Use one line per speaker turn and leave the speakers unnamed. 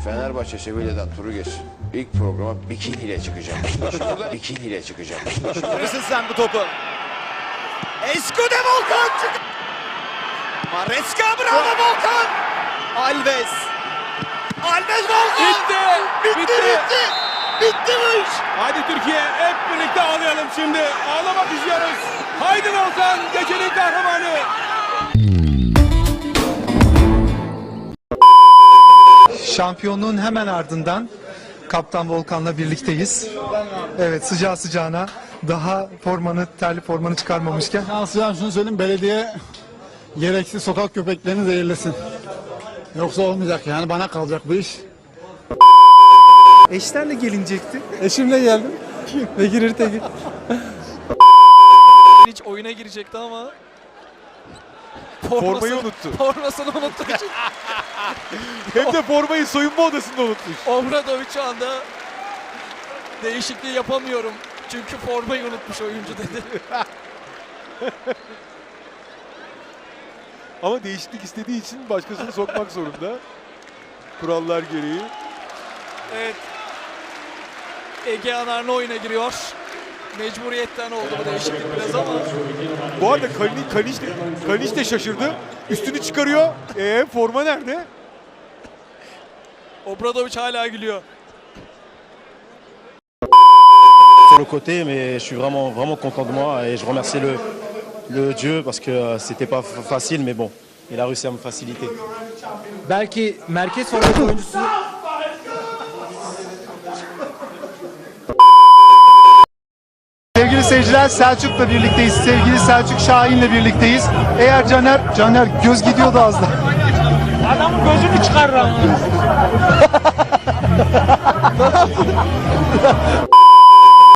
Fenerbahçe Sevilla'dan turu geçsin. İlk programa bikiniyle çıkacağım. Burada bikiniyle çıkacağım.
Görürsün sen bu topu. Escude Volkan çık. Maresca, bravo Volkan. Alves. Alves Volkan. Bitti. Bitti bu iş.
Hadi Türkiye hep birlikte ağlayalım şimdi. Ağlamak istiyoruz. Haydi Volkan, gecenin kahramanı.
Şampiyonluğun hemen ardından Kaptan Volkan'la birlikteyiz. Evet, sıcağı sıcağına daha terli formanı çıkarmamışken.
Aslında şunu söyleyeyim, belediye gereksiz sokak köpeklerini zehirlesin. Yoksa olmayacak yani, bana kalacak bu iş.
Eşlerle gelinecekti.
Eşimle geldim. Bekir İrtegin.
Hiç oyuna girecekti ama
Formayı unuttu.
Formasını unuttuğu için
Hem de formayı soyunma odasında unutmuş.
Obradovic şu anda değişikliği yapamıyorum. Çünkü formayı unutmuş oyuncu dedi.
Ama değişiklik istediği için başkasını sokmak zorunda. Kurallar gereği.
Evet. Ege Anarlı oyuna giriyor. Mecburiyetten oldu bu değişiklik biraz ama.
Bu arada Kaliç de şaşırdı. Üstünü çıkarıyor. Forma nerede?
Obradovic hala gülüyor.
Sur le côté, mais je suis vraiment content de moi et je remercie le Dieu parce que c'était pas facile, mais bon, il a réussi à me faciliter.
Belki merkez forvet oyuncusu
Sevgili seyirciler, Selçuk'la birlikteyiz. Sevgili Selçuk Şahin'le birlikteyiz. Eğer Caner göz gidiyordu az da.
adamın gözünü çıkarır.